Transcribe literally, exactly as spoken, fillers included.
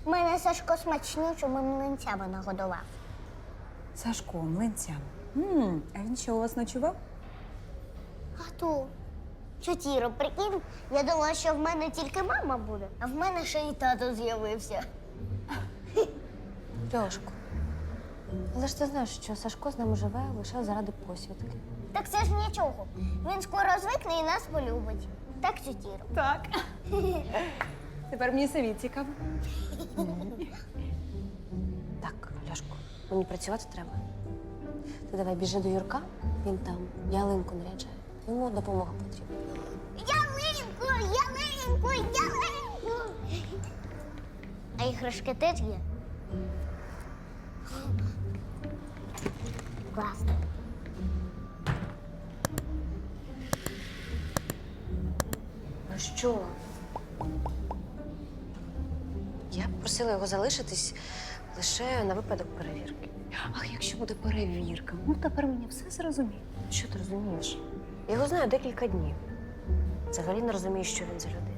Мене Сашко смачнючими млинцями нагодував. Сашко, млинцями. М, А він що, у вас ночував? А то, чотіро, прикинь, я думала, що в мене тільки мама буде, а в мене ще й тато з'явився. Льошко, але ж ти знаєш, що Сашко з нами живе лише заради посвідки. Так це ж нічого. Він скоро звикне і нас полюбить. Так, чотіро? Так. Тепер мені самі цікаво. Так, Льошко, мені працювати треба. Ти давай біжи до Юрка, він там ялинку наряджає. Йому допомога потрібна. Ялинку, ялинку, ялинку! А іграшки теж є? Класно. Ну що? Я просила його залишитись лише на випадок перевірки. Ах, якщо буде перевірка, ну тепер мені все зрозуміло. Що ти розумієш? Я його знаю декілька днів. Взагалі не розумію, що він за людина.